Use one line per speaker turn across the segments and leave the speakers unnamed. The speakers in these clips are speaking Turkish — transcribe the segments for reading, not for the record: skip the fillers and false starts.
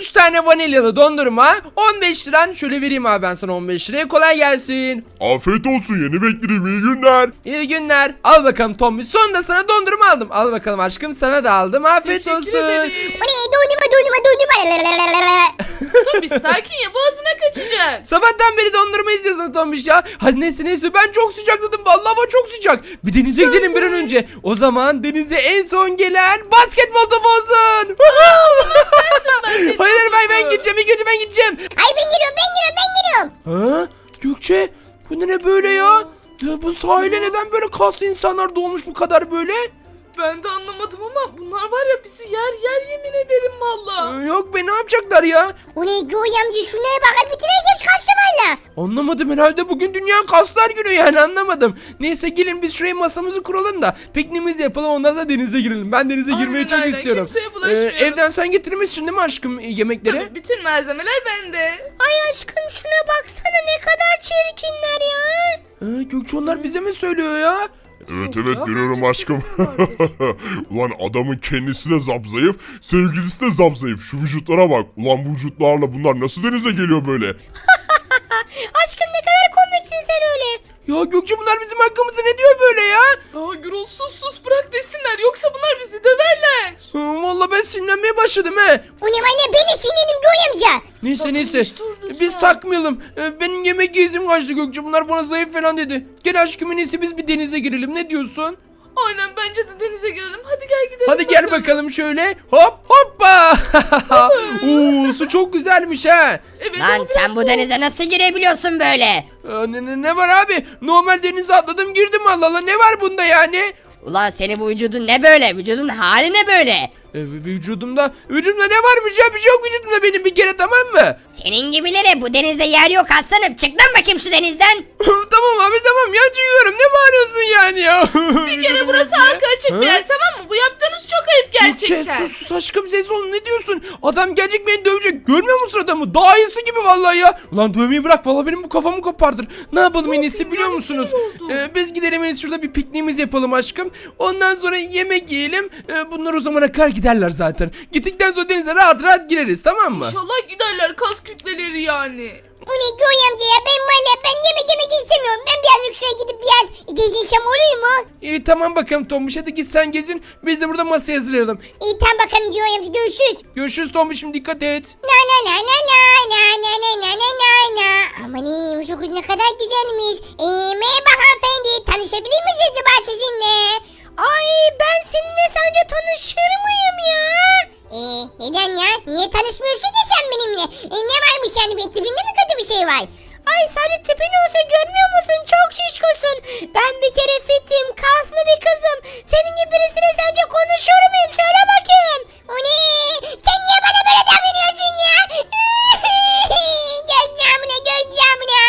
3 tane vanilyalı dondurma 15 liran. Şöyle vereyim abi ben sana 15 liraya. Kolay gelsin.
Afiyet olsun, yeni beklerim, iyi günler.
İyi günler. Al bakalım Tombiş. Sonunda sana dondurma aldım. Al bakalım aşkım, sana da aldım. Afiyet
Teşekkür
olsun.
ederim.
Bu ne? Dondurma.
Tombiş sakin ya, boğazına kaçacak.
Sabahtan beri dondurma izliyorsun Tombiş ya. Hadi neyse ben çok sıcakladım. Vallahi hava çok sıcak. Bir denize gidelim bir an önce. O zaman denize en son gelen basketbol topu olsun. Hayır ben gideceğim. İlk önce ben gideceğim.
Ay ben geliyorum.
Ha? Gökçe bu ne böyle ya? Ya bu sahile neden böyle kaslı insanlar dolmuş bu kadar böyle?
Ben de anlamadım ama bunlar var ya, bizi yer yemin ederim valla.
Yok be, ne yapacaklar ya?
O ne Göğe amca, şuraya bak, bütün herkes kaçtı valla.
Anlamadım, herhalde bugün Dünya Kaslar Günü, yani anlamadım. Neyse gelin biz şuraya masamızı kuralım da pikniğimizi yapalım, ondan sonra denize girelim. Ben denize girmeyi çok
aynen.
istiyorum.
Kimseye bulaşmayalım.
Evden sen getirmişsin değil mi aşkım yemekleri?
Tabii, bütün malzemeler bende.
Ay aşkım şuna baksana, ne kadar çirkinler ya.
Gökçe onlar bize mi söylüyor ya?
Evet
Ya,
görüyorum
bence
aşkım. Ulan adamın kendisi de zapzayıf, sevgilisi de zapzayıf. Şu vücutlara bak. Ulan bu vücutlarla bunlar nasıl denize geliyor böyle?
Aşkım ne kadar komiksin sen öyle.
Ya Gökçe bunlar bizim hakkımızda ne diyor böyle ya?
Aa Gürol, sus bırak desinler, yoksa bunlar bizi döverler.
Vallahi ben sinirlenmeye başladım he.
O ne valla, ben de sinirlendim Göğe amca.
Neyse
dur lütfen.
biz takmayalım. Benim yemek yiyizim kaçtı Gökçe, bunlar bana zayıf falan dedi. Gel aşkım, en iyisi biz bir denize girelim, ne diyorsun?
Aynen, bence de denize girelim. Hadi gel gidelim.
Hadi gel bakalım şöyle. Hop hoppa. Oo, su çok güzelmiş ha.
Evet,
Lan
o
sen
biraz
bu
soğuk.
denize nasıl girebiliyorsun böyle?
Ne var abi? Normal denize atladım girdim, Allah Allah, ne var bunda yani?
Ulan senin bu vücudun ne böyle? Vücudun hali ne böyle?
Vücudumda ne varmış ya, bir şey yok vücudumda benim bir kere, tamam mı?
Senin gibilere bu denizde yer yok aslanım. Çık lan bakayım şu denizden.
Tamam abi tamam ya, çıkıyorum, ne bağırıyorsun yani ya?
Bir kere burası halka açık bir yer, tamam mı? Bu yaptığınız çok ayıp gerçekten.
Sus aşkım, ses olun, ne diyorsun? Adam gelecek beni dövecek, görmüyor musun adamı? Daha iyisi gibi vallahi ya. Ulan dövmeyi bırak, vallahi benim bu kafamı kopardır. Ne yapalım en iyisi biliyor
yani,
musunuz?
sinir oldum.
Biz gidelim en iyisi, şurada bir pikniğimizi yapalım aşkım. Ondan sonra yemek yiyelim. Bunlar o zamana kadar giderler zaten. Gittikten sonra denize rahat gireriz, tamam mı?
İnşallah giderler, kas kütleleri yani.
O ne Göğe amca ya, ben yemek istemiyorum. Ben birazcık şuraya gidip biraz gezinsem olur mu?
İyi tamam bakalım Tombiş, hadi git sen gezin. Biz de burada masaya hazırlayalım.
İyi tamam bakalım Göğe amca, görüşürüz.
Görüşürüz Tombiş'im, dikkat et.
La la la la la la la la la la la la. Aman iyi, bu kız ne kadar güzelmiş. Merhaba hanımefendi, tanışabilir miyiz acaba sizinle? Ay ben seninle sence tanışır mıyım ya? Neden ya? Niye tanışmıyorsun ki sen benimle? Ne varmış yani, benim tipinde mi kötü bir şey var? Ay sadece tipin olsa görmüyor musun? Çok şişkosun. Ben bir kere fitim, kaslı bir kızım. Senin gibi birisiyle sence konuşur muyum? Söyle bakayım. O ne? Sen niye bana böyle davranıyorsun ya? Gökçamla.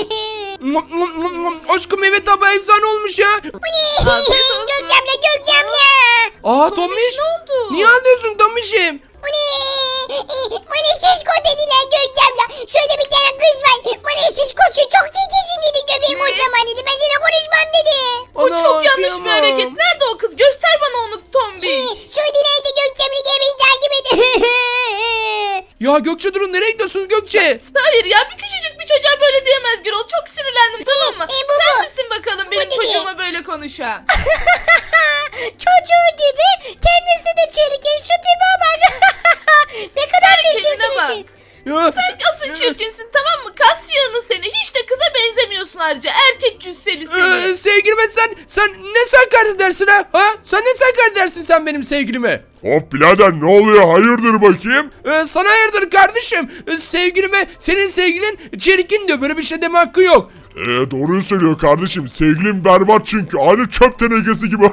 Aşkım evet abi, efsane olmuş ya.
Bu ne? Gökçamla.
Aa
Tombiş,
Tombiş.
ne oldu?
Niye ağlıyorsun Tombiş'im?
Bu ne? Bana şişko dediler Gökçamla. Şöyle bir tane kız var. Bana şişkosun, çok çirkinsin dedi. Göbeğim
Ne?
kocaman dedi. Ben seninle konuşmam dedi.
O çok yanlış bir hareket. Nerede o kız? Göster bana onu Tombiş.
Şöyle nerede Gökçamla, gel beni takip et.
Ya Gökçe durun, nereye gidiyorsunuz Gökçe?
Hayır ya, bir küçücük bir çocuğa böyle diyemez Gürol. Çok sinirlendim, tamam mı?
bu
Sen
bu.
misin bakalım
Bu
benim
dedi.
çocuğuma böyle konuşan?
Çocuğu gibi kendisi de çirkin. Şu tipe bak. Ne kadar
Sen kendine
çirkinsiniz
bak.
siz.
Ya,
Sen asıl çirkinsin, tamam mı? Kas yığını seni. Hiç de kıza benzemiyorsun ayrıca. Erkek cüsseli seni.
sevgilime sen ne sakar edersin ha? Sen ne sakar edersin sen benim sevgilime?
Hop birader, ne oluyor, hayırdır bakayım?
Sana hayırdır kardeşim? Sevgilime senin sevgilin çirkin diyor, böyle bir şey deme hakkı yok.
Doğruyu söylüyor kardeşim, sevgilim berbat çünkü, aynı çöp tenekesi gibi.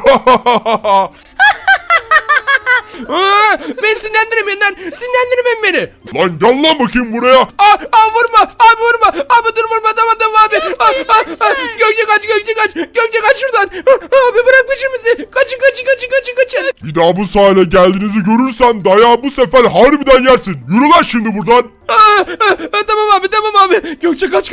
Beni sinirlendirmeyin lan, sinirlendirmeyin beni.
Lan gel lan bakayım buraya.
Vurma abi, vurma abi, dur vurma, tamam abi. Gökçe kaç şuradan. Abi bırak peşimizi, kaçın.
Bir daha bu sahile geldiğinizi görürsem dayağı bu sefer harbiden yersin. Yürü lan şimdi buradan.
Tamam abi. Gökçe kaç.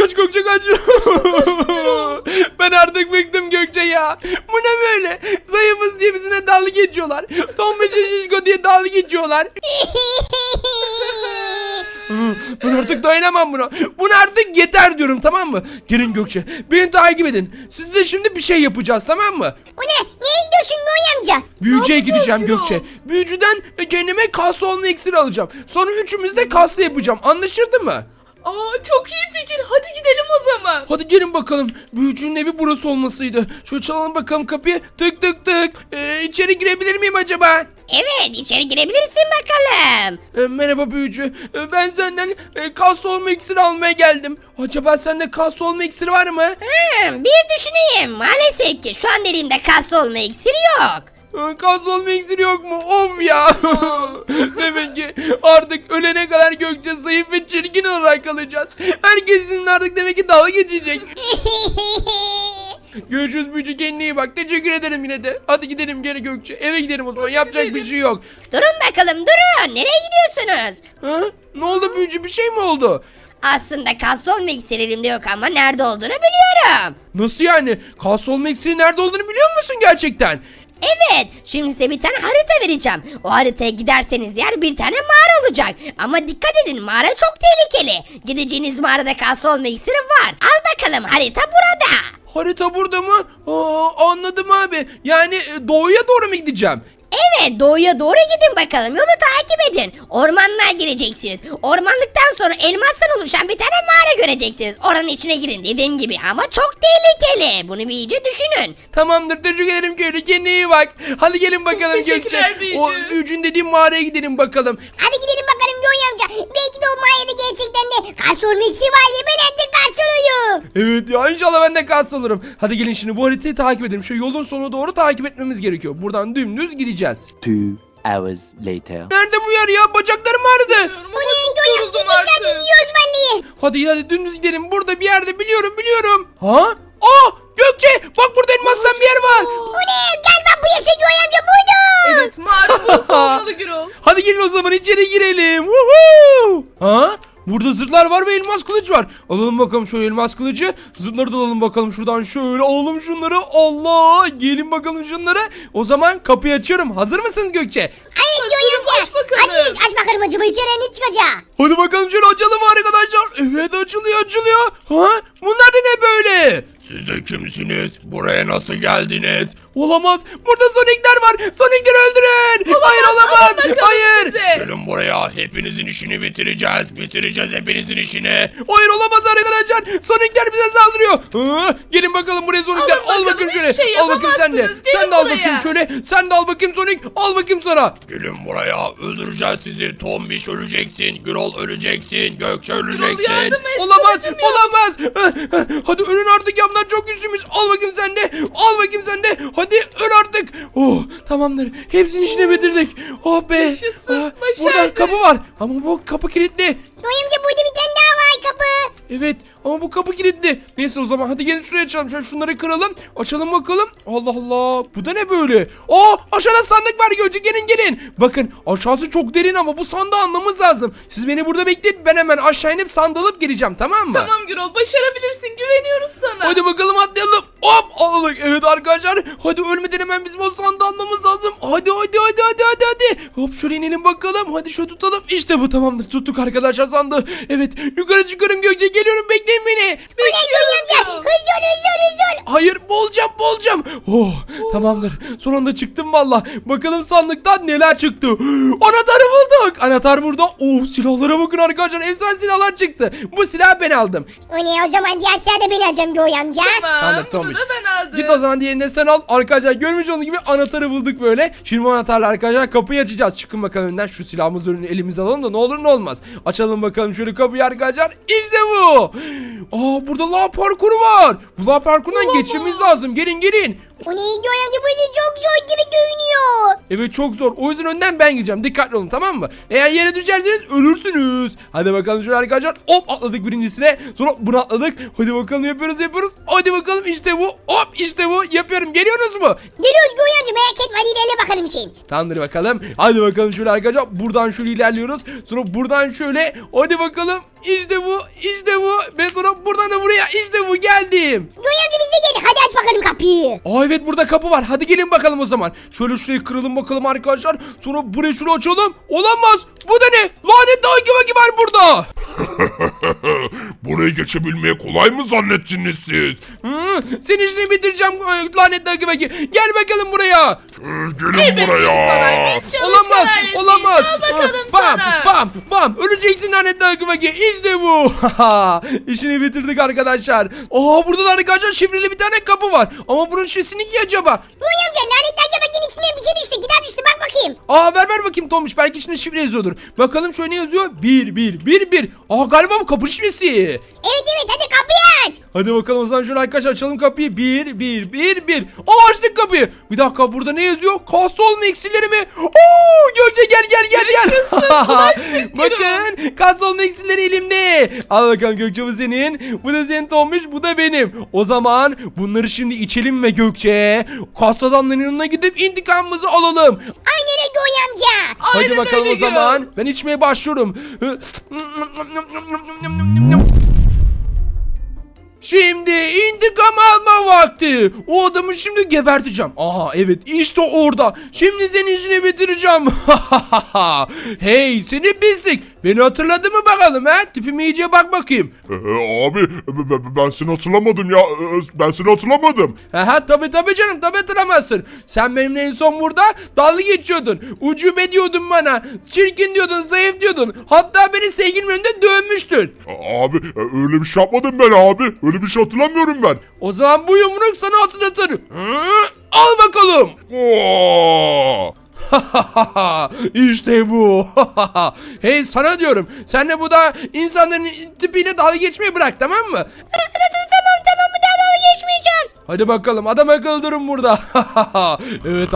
Ben artık bıktım Gökçe ya. Bu ne böyle? Zayıfız diye bizimle dalga geçiyorlar. Tombiş şişko diye dalga geçiyorlar. Ben artık dayanamam buna. Buna artık yeter diyorum, tamam mı? Gelin Gökçe, beni takip edin. Siz de şimdi bir şey yapacağız, tamam mı?
O ne? Neye gidiyorsun Noy amca?
Büyücüye
yapacağız
gideceğim
Gürol?
Gökçe. Büyücüden kendime kaslı olma iksiri alacağım. Sonra üçümüz de kaslı yapacağım. Anlaşıldı mı?
Aa, çok iyi fikir. Hadi gidelim o zaman.
Hadi gelin bakalım. Büyücünün evi burası olmasıydı. Şöyle çalalım bakalım kapıyı. Tık tık tık. İçeri girebilir miyim acaba?
Evet, içeri girebilirsin bakalım.
Merhaba büyücü. Ben senden kaslı olma iksiri almaya geldim. Acaba sende kaslı olma iksiri var mı?
Bir düşüneyim. Maalesef ki şu an elimde kaslı olma iksiri yok.
Kaslı olma iksiri yok mu? Of ya. Demek ki artık ölene kadar Gökçe zayıf ve çirkin olarak kalacağız. Herkesin artık demek ki dalga geçecek. Görüşürüz büyücü, kendine iyi bak. Teşekkür ederim yine de. Hadi gidelim geri Gökçe. Eve gidelim o zaman. Yapacak bir
gidelim.
şey yok.
Durun bakalım, durun. Nereye gidiyorsunuz?
Ha? Ne oldu büyücü? Bir şey mi oldu?
Aslında kaslı olma iksiri elimde yok ama nerede olduğunu biliyorum.
Nasıl yani? Kaslı olma iksiri nerede olduğunu biliyor musun gerçekten?
Evet, şimdi size bir tane harita vereceğim. O haritaya giderseniz yer bir tane mağara olacak. Ama dikkat edin, mağara çok tehlikeli. Gideceğiniz mağarada kaslı olma iksiri var. Al bakalım, harita burada.
Harita burada mı? Anladım abi. Yani doğuya doğru mu gideceğim?
Evet, doğuya doğru gidin bakalım. Yolu takip edin. Ormanlığa gireceksiniz. Ormanlıktan sonra elmastan oluşan bir tane mağara göreceksiniz. Oranın içine girin dediğim gibi ama çok tehlikeli. Bunu bir iyice düşünün.
Tamamdır, teşekkür ederim köylü. Kendine iyi bak. Hadi gelin bakalım Gökçe.
teşekkürler büyücü.
O büyücünün dediğim mağaraya gidelim bakalım.
Hadi gidelim bakalım Noy amca. Belki de o mağarada gerçekten de kaslı olma iksiri vardır. Ben artık kaslı olayım.
Evet ya, inşallah ben de kaslı olurum. Hadi gelin şimdi bu haritayı takip edelim. Şu yolun sonuna doğru takip etmemiz gerekiyor. Buradan dümdüz gideceğiz.
2 hours later.
Nerede bu yer ya? Bacaklarım ağrıdı.
O
O ne Noy amca? Biz hadi yiyoruz vallahi.
Hadi dümdüz gidelim. Burada bir yerde biliyorum. Ha? Gökçe, bak burada elmastan bir yer var.
O ne? Galiba bu yaşa Noy amca buydu.
Evet, mağara burası olmalı Gürol.
Hadi gelin o zaman içeri girelim. Woohoo! Ha? Burada zırhlar var ve elmas kılıç var. Alalım bakalım şöyle elmas kılıcı. Zırhları da alalım bakalım şuradan, şöyle alalım şunları. Allah! Gelin bakalım şunları. O zaman kapıyı açıyorum. Hazır mısınız Gökçe?
Evet Noy amca.
aç bakalım.
Hadi aç bakalım acaba içeri ne çıkacak?
Hadi bakalım şöyle açalım arkadaşlar. Evet, açılıyor. Ha? Bunlar da ne böyle?
Siz de kimsiniz? Buraya nasıl geldiniz?
Olamaz. Burada Sonic'ler var. Sonic'leri öldürün. Hayır, olamaz.
Alın bakalım
Hayır.
size.
Gelin buraya. Hepinizin işini bitireceğiz. Bitireceğiz hepinizin işini.
Hayır, olamaz arkadaşlar. Sonic'ler bize saldırıyor. Gelin bakalım buraya Sonic'ler.
Alın
Al
bakalım,
bakayım şöyle.
hiçbir şey
Al bakayım sen de.
yapamazsınız. Gelin
Sen de al
buraya.
bakayım şöyle. Sen de al bakayım Sonic. Al bakayım sana.
Gelin buraya. Öldüreceğiz sizi. Tombiş öleceksin. Gürol öleceksin. Gökçe
Gürol
öleceksin.
yardım et.
Olamaz.
kılıcım yok.
Olamaz. Hadi ölün artık ya. Bunlar çok güçlüymüş. Al bakayım sen de. Al bakayım sen de. Hadi öl artık. Oh, tamamdır. Hepsinin işini bitirdik. Oh be.
Yaşasın,
Burada
başardık.
kapı var. Ama bu kapı kilitli.
Noy amca burada bir tane daha var kapı.
Evet, ama bu kapı kilitli. Neyse o zaman hadi gelin şuraya açalım. Şöyle şunları kıralım. Açalım bakalım. Allah Allah. Bu da ne böyle? Aşağıda sandık var Gökçe. Gelin. Bakın aşağısı çok derin ama bu sandığı almamız lazım. Siz beni burada bekleyin. Ben hemen aşağı inip sandığı alıp geleceğim, tamam mı?
Tamam Gürol, başarabilirsin. Güveniyoruz sana.
Hadi bakalım atlayalım. Hop aldık. Evet arkadaşlar. Hadi ölmeden hemen bizim o sandığı almamız lazım. Hadi. Hop şöyle inelim bakalım. Hadi şöyle tutalım. İşte bu, tamamdır. Tuttuk arkadaşlar sandığı. Evet, yukarı çıkıyorum Gökçe. Geliyorum, bekleyin beni.
Bekliyoruz Gürol.
Hızlı.
Hayır, boğulacağım. Oh, tamamdır. Son anda çıktım valla. Bakalım sandıktan neler çıktı. Anahtarı bulduk. Anahtar burada. Oh, silahlara bakın arkadaşlar. Efsane silahlar çıktı. Bu silahı ben aldım.
O ne o zaman diğer sırada beni alacağım Noy amca.
Tamam,
Tamam,
bunu da ben aldım.
Git o zaman diğerini sen al. Arkadaşlar görmüş olduğunuz gibi anahtarı bulduk böyle. Şimdi bu anahtarla arkadaşlar kapıyı açacağız. Çıkın bakalım önden, şu silahımızı önüne elimize alalım da ne olur ne olmaz. Açalım bakalım şöyle kapıyı arkadaşlar. İşte bu. Burada lav parkuru var. Bu lav parkurundan geçmemiz lazım. Gelin.
O ne Noy amca bu işin çok zor gibi görünüyor.
Evet, çok zor. O yüzden önden ben gideceğim. Dikkatli olun, tamam mı? Eğer yere düşerseniz ölürsünüz. Hadi bakalım şöyle arkadaşlar. Hop atladık birincisine. Sonra bunu atladık. Hadi bakalım yapıyoruz. Hadi bakalım işte bu. Hop işte bu. Yapıyorum. Geliyorsunuz mu?
Geliyoruz Noy amca merak etme hadi ilerle bakalım şeyin.
Tamamdır bakalım. Hadi bakalım şöyle arkadaşlar. Buradan şöyle ilerliyoruz. Sonra buradan şöyle. Hadi bakalım. İşte bu. Ve sonra buradan da buraya. İşte bu, geldim.
Noy amca biz de geldik hadi aç bakalım kapıyı.
Evet, burada kapı var. Hadi gelin bakalım o zaman. Şöyle şurayı kıralım bakalım arkadaşlar. Sonra burayı şöyle açalım. Olamaz. Bu da ne? Lanet dağ gibi var burada.
Burayı geçebilmeye kolay mı zannettiniz siz?
Senin işini bitireceğim lanetli akı fakir. Gel bakalım buraya.
Gelin
Elbette
buraya.
kolay. Biz çalışkan
Olamaz,
ailesiyiz.
olamaz.
Al bakalım
Bam,
sana.
bam, bam. Öleceksin lanetli akı fakir. İşte bu. İşini bitirdik arkadaşlar. Burada da arkadaşlar şifreli bir tane kapı var. Ama bunun şifresi ki acaba?
Noy amca lanetli akıbakinin içine bir şey düştü. Gider düştü bak bakayım.
Ver bakayım Tomuş. Belki içinde şifre yazıyordur. Bakalım şöyle ne yazıyor? 1. Galiba bu kapı şifresi.
Evet hadi kapıyı aç.
Hadi bakalım o zaman şöyle arkadaşlar açalım kapıyı. 1. Açtık kapıyı. Bir dakika burada ne yazıyor? Kaslı olma iksirleri mi? Gökçe gel. Bakın kaslı olma iksirleri elimde. Al bakalım Gökçe bu senin. Bu da senin Tomuş, bu da benim. O zaman bunları şimdi içelim ve Gökçe kaslı adamların yanına gidip intikamımızı alalım.
Aynen öyle Noy amca.
Hadi
Aynen
bakalım
öyle
o zaman. Ben içmeye başlıyorum. Şimdi intikam alma vakti. O adamı şimdi geberteceğim. Evet işte orada. Şimdi senin işini bitireceğim. Hey seni pislik. Beni hatırladın mı bakalım ha? Tipime iyice bak bakayım.
Abi ben seni hatırlamadım ya. Ben seni hatırlamadım.
Tabii canım, tabii hatırlamazsın. Sen benimle en son burada dalga geçiyordun. Ucube diyordun bana. Çirkin diyordun, zayıf diyordun. Hatta beni sevgilimin önünde dövmüştün.
Abi öyle bir şey yapmadım ben abi. Öyle bir şey hatırlamıyorum ben.
O zaman bu yumruk sana hatırlatır. Al bakalım.
Oo!
İşte bu. Hey sana diyorum. Sen de bu da insanların tipiyle dalga geçmeyi bırak, tamam mı?
Tamam bir daha dalga geçmeyeceğim.
Hadi bakalım adam akıllı durun burada. Evet.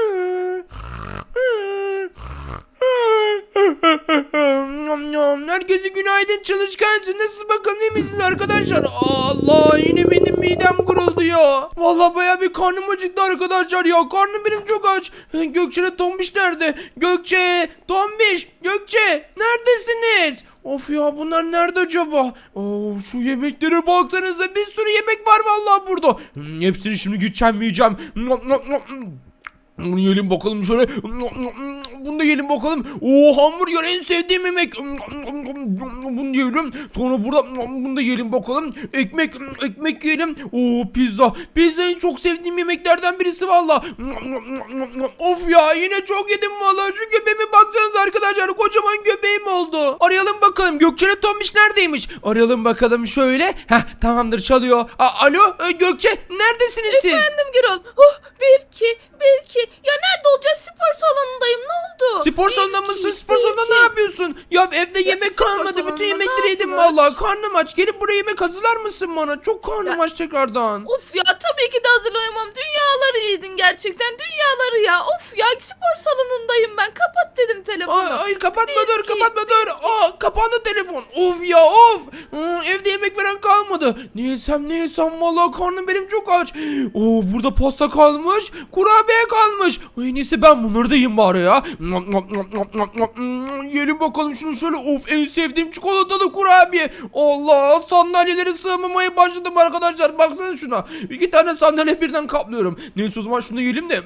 Herkese günaydın, çalışkansın. Nasıl bakalım, iyi misiniz arkadaşlar? Allah, yine benim midem guruldu ya. Vallahi baya bir karnım acıktı arkadaşlar ya. Karnım benim çok aç. Gökçe'yle Tombiş nerede? Gökçe, Tombiş, Gökçe neredesiniz? Of ya, bunlar nerede acaba? Şu yemeklere baksanıza, bir sürü yemek var vallahi burada. Hepsini şimdi gideceğim yiyeceğim. Bunu yiyelim bakalım şöyle. Bunu da yiyelim bakalım. Hamburger en sevdiğim yemek. Bunu yiyelim. Sonra burada bunu da yiyelim bakalım. Ekmek yiyelim. Pizza. Pizza en çok sevdiğim yemeklerden birisi valla. Of ya, yine çok yedim valla. Şu göbeğime baksanıza arkadaşlar. Kocaman göbeğim oldu. Arayalım bakalım. Gökçe'yle Tombiş neredeymiş? Arayalım bakalım şöyle. Tamamdır, çalıyor. Alo Gökçe, neredesiniz siz?
Efendim Gürol. 1 2. Ya nerede olacağız? Spor salonundayım. Ne oldu?
Spor
1,
salonunda
2,
mısın?
1,
Spor salonunda
2.
ne yapıyorsun? Ya evde yemek
spor
kalmadı. Bütün
salonunda
yemekleri
ne
yedim
yapıyorsun?
vallahi. Karnım aç. Gelip buraya yemek hazırlar mısın bana? Çok karnım
Ya-
aç tekrardan.
Of ya, tabii ki de hazırlayamam. Dünyaları yedin gerçekten. Dünyaları ya. Of ya, spor salonundayım ben. Kapat dedim telefonu.
Hayır kapatma,
Bir,
dur
iki,
kapatma, dur. Kapandı telefon. Of ya of. Evde yemek veren kalmadı. Ne yesem vallahi karnım benim çok aç. Burada pasta kalmış. Kurabiye kalmış. En iyisi ben bunları da yiyeyim bari ya. Yiyelim bakalım şunu şöyle. Of, en sevdiğim çikolatalı kurabiye. Allah, sandalyelere sığmamaya başladım arkadaşlar. Baksana şuna. 2 tane sandalye birden kaplıyorum. Neyse o zaman şunu yiyelim de.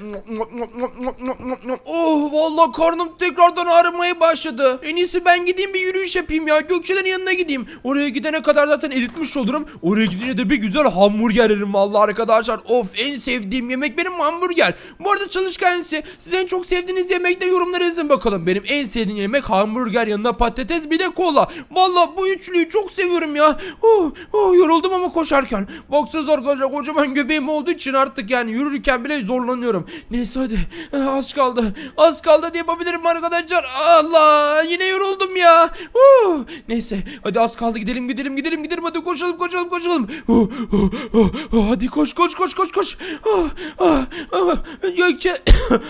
Vallahi karnım tekrardan ağrımaya başladı. En iyisi ben gideyim bir yürüyüş yapayım ya. Gökçe'lerin yanına gideyim. Oraya gidene kadar zaten eritmiş olurum. Oraya gidince de bir güzel hamburger yerim vallahi arkadaşlar. Of, en sevdiğim yemek benim hamburger. Bu arada çalışkan siz en çok sevdiğiniz yemekte yorumlara yazın bakalım. Benim en sevdiğim yemek hamburger, yanına patates, bir de kola. Vallahi bu üçlüyü çok seviyorum ya. Yoruldum ama koşarken. Baksanıza arkadaşlar, kocaman göbeğim olduğu için artık yani yürürken bile zorlanıyorum. Neyse hadi. Az kaldı diye yapabilirim arkadaşlar. Allah, yine yoruldum ya. Neyse hadi, az kaldı, gidelim hadi koşalım. Hadi koş. Gökçe.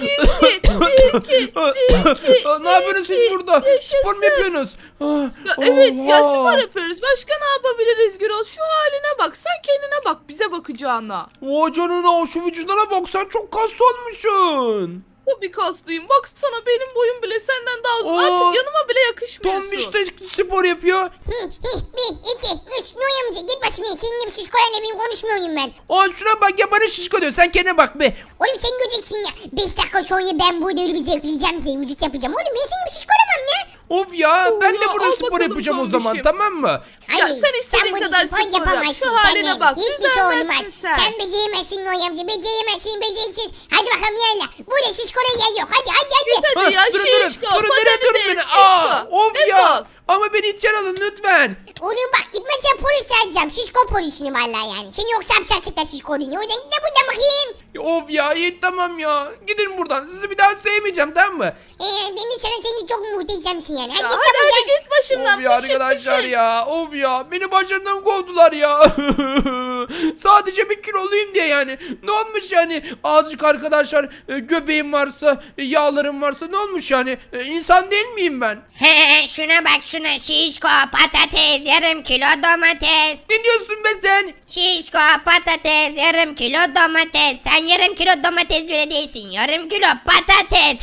2.
Ne yapıyorsunuz siz burada? Spor mu yapıyorsunuz?
Ya evet ya,
Oha.
spor yapıyoruz. Başka ne yapabiliriz Gürol? Şu haline bak. Sen kendine bak, bize bakacağına.
Vay canına, şu vücuduna bak, sen çok kaslı olmuşsun.
Tabii kaslıyım. Baksana, benim boyum bile senden daha uzun.
Oo.
Artık yanıma bile yakışmıyorsun.
Tombiş de spor yapıyor.
1 2 3 Noy amca git başımdan. Senin gibi şişkolarla benim konuşmuyorum ben.
Şuna bak ya, bana şişko diyor, sen kendine bak be.
Oğlum sen göreceksin ya. 5 dakika sonra ben burada öyle bir zevkleyeceğim ki vücut yapacağım. Oğlum ben senin gibi şişko olamam ya.
Of ya ben de
ya,
burada
al
spor
bakalım
yapacağım o zaman,
Tombiş'im.
tamam mı?
Ya
Hayır,
sen istediğin
burada
kadar
spor
spor yap.
yapamazsın.
Şu haline
Sen
bak,
hiçbir şey olmaz.
düzelmezsin sen.
Sen beceremezsin Noy amca. Beceremezsin, beceriksiz. Hadi bakalım yalla. Burada şişkola yer yok. Hadi.
Git hadi ya
durun
şişko.
durun nereye
Patatesi
durun beni?
şişko.
Of
Defol.
ya. Ama beni içeri alın lütfen.
Oğlum bak gitmezsen polis çağıracağım. Şişko polisini vallahi yani. Seni yoksa hapse atacaklar şişkolini. O yüzden git de buradan bakayım.
Of ya iyi tamam ya. Gidin buradan. Sizi bir daha sevmeyeceğim tamam mı?
Beni sana seni çok muhteşemsin yani. Hadi
Ya
git de
hadi
buradan.
hadi git başımdan.
Of ya
pışık
arkadaşlar
pışık.
ya. Of ya. Beni başlarından kovdular ya. Sadece 1 kiloluyum diye yani. Ne olmuş yani? Azıcık arkadaşlar göbeğim varsa, yağlarım varsa ne olmuş yani? İnsan değil miyim ben?
Şuna bak şuna şişko patates yarım kilo domates.
Ne diyorsun be sen?
Şişko patates yarım kilo domates. Sen yarım kilo domates bile değilsin. Yarım kilo patates.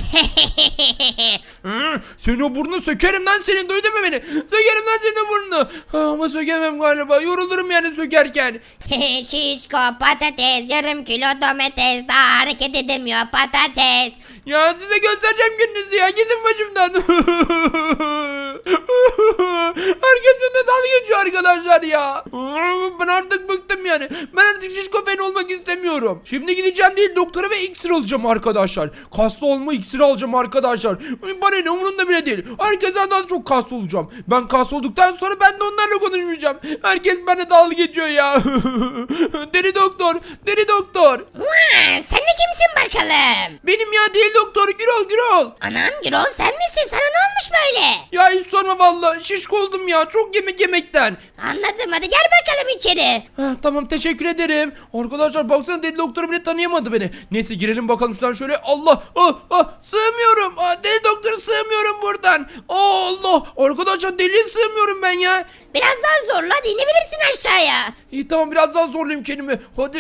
Seni o burnunu sökerim lan senin, duydun mu beni? Sökerim lan senin o burnunu. Ama sökemem galiba, yorulurum yani sökerken.
Şişko patates yarım kilo domates. Daha hareket edemiyor patates.
Ya size göstereceğim gününüzü ya, gidin başımdan. Herkes benimle dalga geçiyor arkadaşlar ya. Ben artık bıktım yani. Ben artık şişko fen olmak istemiyorum. Şimdi gideceğim değil doktora ve iksir alacağım arkadaşlar. Kaslı olma iksiri alacağım arkadaşlar. Bana ne umurumda bile değil. Herkesten daha çok kaslı olacağım. Ben kaslı olduktan sonra ben de onlarla konuşmayacağım. Herkes benimle dalga geçiyor ya. Deli doktor, deli doktor.
Sen de kimsin bakalım?
Benim ya değil doktor, Gürol.
Anam Gürol sen misin? Sana ne olmuş böyle?
Ya hiç sorma vallahi, şişko oldum ya, çok yemek yemekten.
Anladım hadi gel bakalım içeri.
Tamam teşekkür ederim. Arkadaşlar baksana, deli doktor bile tanıyamadı beni. Neyse girelim bakalım şuradan şöyle. Allah sığmıyorum. Deli doktor sığmıyorum buradan. Allah arkadaşlar, deliye sığmıyorum ben ya.
Biraz daha zorla hadi inebilirsin aşağıya.
İyi tamam, biraz daha zorlayayım kendimi. Hadi.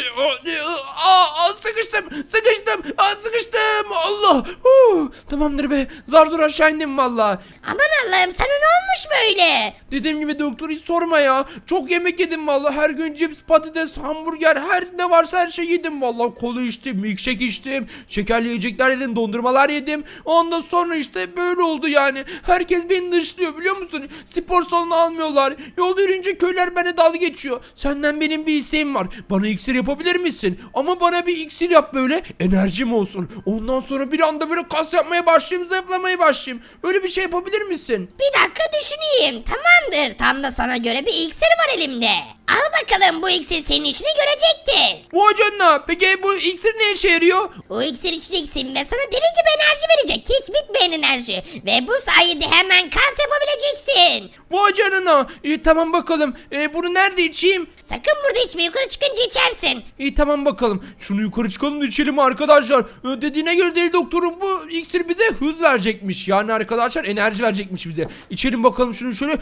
Sıkıştım. Allah. Tamamdır be. Zar zor aşağı indim valla.
Aman Allah'ım sana ne olmuş böyle?
Dediğim gibi doktor hiç sorma ya. Çok yemek yedim valla. Her gün cips, patates, hamburger, her ne varsa her şey yedim valla. Kola içtim, milkshake içtim, şekerli yiyecekler yedim, dondurmalar yedim. Ondan sonra işte böyle oldu yani. Herkes beni dışlıyor biliyor musun? Spor salonu almıyorlar. Yolda yürüyünce köyler bana dalga geçiyor. Senden benim bir isteğim var. Bana iksir yapabilir misin? Ama bana bir iksir yap böyle. Enerjim olsun. Ondan sonra bir anda böyle kas yapmaya başlayayım, zayıflamaya başlayayım. Öyle bir şey yapabilir misin?
Bir dakika düşüneyim. Tamamdır. Tam da sana göre bir iksir var elimde. Al bakalım bu iksir senin işini görecektir.
Vay canına. Peki bu iksir ne işe yarıyor?
Bu iksir içeceksin ve sana deli gibi enerji verecek. Hiç bitmeyen enerji. Ve bu sayede hemen kas yapabileceksin.
Vay canına. İyi tamam bakalım. Bunu nerede içeyim?
Sakın burada içme, yukarı çıkınca içersin.
İyi tamam bakalım. Şunu yukarı çıkalım da içelim arkadaşlar. Dediğine göre deli doktorun bu iksir bize hız verecekmiş. Yani arkadaşlar enerji verecekmiş bize. İçelim bakalım şunu şöyle.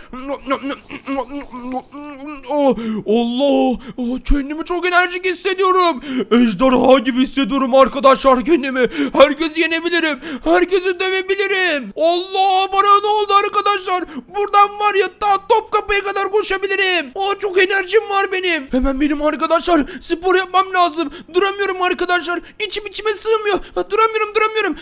Allah. Kendimi çok enerjik hissediyorum. Ejderha gibi hissediyorum arkadaşlar kendimi. Herkesi yenebilirim. Herkesi dövebilirim. Allah, bana ne oldu arkadaşlar? Buradan var ya ta Topkapı'ya kadar koşabilirim. Çok enerjim var benim. Hemen benim arkadaşlar spor yapmam lazım. Duramıyorum arkadaşlar. İçime sığmıyor. Duramıyorum.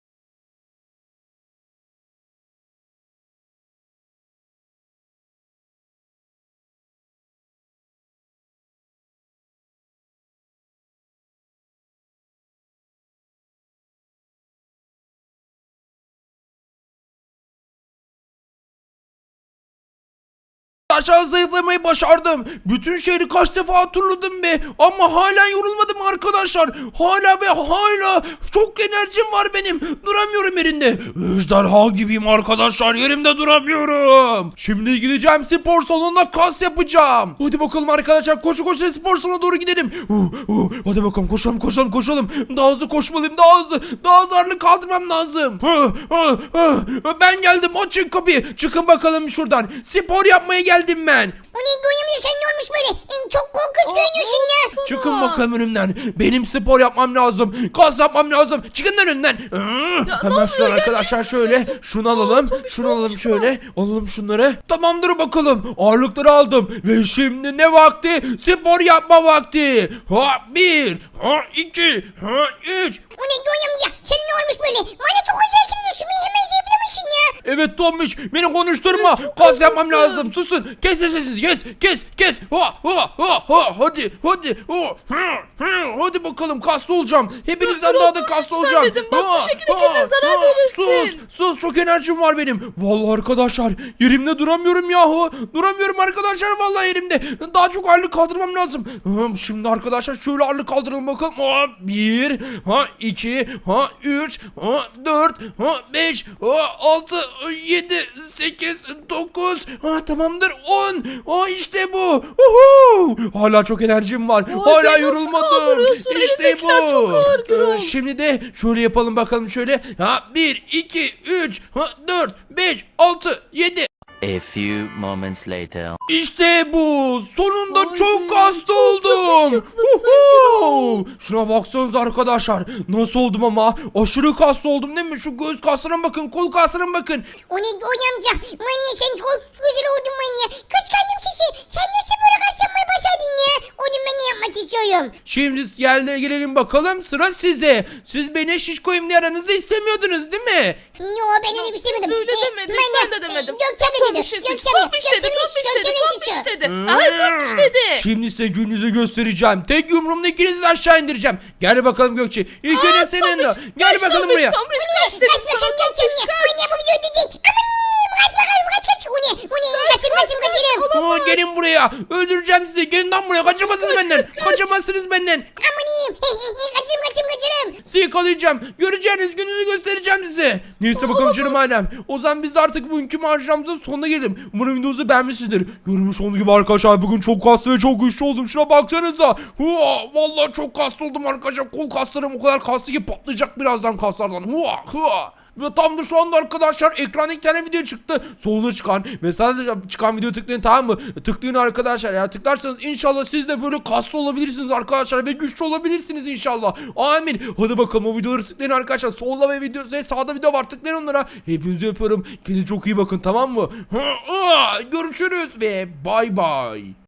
Aşağı zayıflamayı başardım. Bütün şehri kaç defa turladım be. Ama hala yorulmadım arkadaşlar. Hala çok enerjim var benim. Duramıyorum yerinde. Ejderha gibiyim arkadaşlar. Yerimde duramıyorum. Şimdi gideceğim spor salonuna, kas yapacağım. Hadi bakalım arkadaşlar, koşu spor salonuna doğru gidelim. Hadi bakalım koşalım. Daha hızlı koşmalıyım, daha hızlı ağırlık kaldırmam lazım. Ben geldim, açın kapıyı. Çıkın bakalım şuradan. Spor yapmaya geldim ben.
O ne Göğe amca sen ne olmuş böyle? Çok korkunç görünüyorsun ya.
Sana.
Çıkın bakalım önümden. Benim spor yapmam lazım. Kas yapmam lazım. Çıkın lan önümden. Hemen
oluyor
şuradan
ya?
arkadaşlar şöyle. Şunu alalım. Şunu alalım şöyle. Alalım şunları. Tamamdır bakalım. Ağırlıkları aldım. Ve şimdi ne vakti? Spor yapma vakti. Ha 1. Ha 2. Ha 3.
O ne Göğe amca sen ne olmuş böyle? Bana çok özel gidiyorsun. Beni hemen yiyebilir misin ya?
Evet Tombiş beni konuşturma. Kas yapmam lazım. Susun. Kes sesinizi. Kes. Hadi. Hadi bakalım kaslı olacağım. Hepinizden daha da kaslı olacağım.
dedim, bak bu şekilde kendine zarar verirsin.
Sus çok enerjim var benim. Vallahi arkadaşlar yerimde duramıyorum yahu. Duramıyorum arkadaşlar vallahi yerimde. Daha çok ağırlık kaldırmam lazım. Şimdi arkadaşlar şöyle ağırlık kaldıralım bakalım. 1, 2, 3, 4, 5, 6, 7, 8, 9, tamamdır 10. İşte bu. Hala çok enerjim var.
Vay
Hala
be, nasıl
yorulmadım.
kaldırıyorsun?
İşte
Elindekiler çok ağır Gürol.
Şimdi de şöyle yapalım bakalım şöyle. 1, 2, 3, 4, 5, 6, 7.
A few moments later.
İşte bu. Sonunda
Vay
çok
be,
kaslı
çok
oldum.
yakışıklısın
Uhu! Şuna baksanıza arkadaşlar. Nasıl oldum ama? Aşırı kaslı oldum değil mi? Şu göğüs kaslarına bakın, kol kaslarına bakın.
O ne Göğe amca? Manyak sen çok güzel oldun manyak. Kıskandım sizi. Sen nasıl böyle kas yapmayı başardın ya? Onu ben de yapmak istiyorum.
Şimdi yerlere gelelim bakalım. Sıra sizde. Siz beni şişkoyum diye aranızda istemiyordunuz değil mi?
Yo ben öyle bir şey demedim.
Öyle demedik, ben de demedim.
Gökçem'le dedi.
Tombiş dedi,
Gökçem'le.
Tombiş dedi,
Gökçem'le
Tombiş
suçu.
dedi. Hayır Tombiş dedi.
Şimdi size gününüzü göstereceğim. Tek yumruğumla ikinizi de aşağı indireceğim. Gel bakalım Gökçe. İlk
Aa,
önce senin de.
Tombiş,
Gel
kaç
bakalım
Tombiş,
buraya.
Tombiş kaç
Kaç
dedim sana
bakalım
Tombiş
Gökçem'le.
kaç.
Manyak bu video ödeyecek. Amanim kaç bakalım kaç. O ne kaçırım.
Gelin buraya. Öldüreceğim sizi. Gelin lan buraya. Kaçamazsınız benden. Kaçamazsınız benden.
Amanim. Kaçırım.
Sizi yakalayacağım. Göreceğiniz gününüzü göstereceğim size. Neyse bakalım canım ailem. O zaman biz de artık bugünkü maceramızın sonuna gelelim. Umarım videomuzu beğenmişsinizdir. Görmüş olduğunuz gibi arkadaşlar bugün çok kaslı ve çok güçlü oldum. Şuna baksanıza. Vallahi çok kaslı oldum arkadaşlar. Kol kaslarım o kadar kaslı ki patlayacak birazdan kaslardan. Ve tam da şu anda arkadaşlar ekranda iki tane video çıktı. Solda çıkan ve sadece çıkan video tıklayın, tamam mı? Tıklayın arkadaşlar ya. Tıklarsanız inşallah siz de böyle kaslı olabilirsiniz arkadaşlar ve güçlü olabilirsiniz inşallah. Amin. Hadi bakalım o videoları tıklayın arkadaşlar. Solda ve sağda video var, tıklayın onlara. Hepinizi öpüyorum. Kendinize çok iyi bakın, tamam mı? Görüşürüz ve bay bay.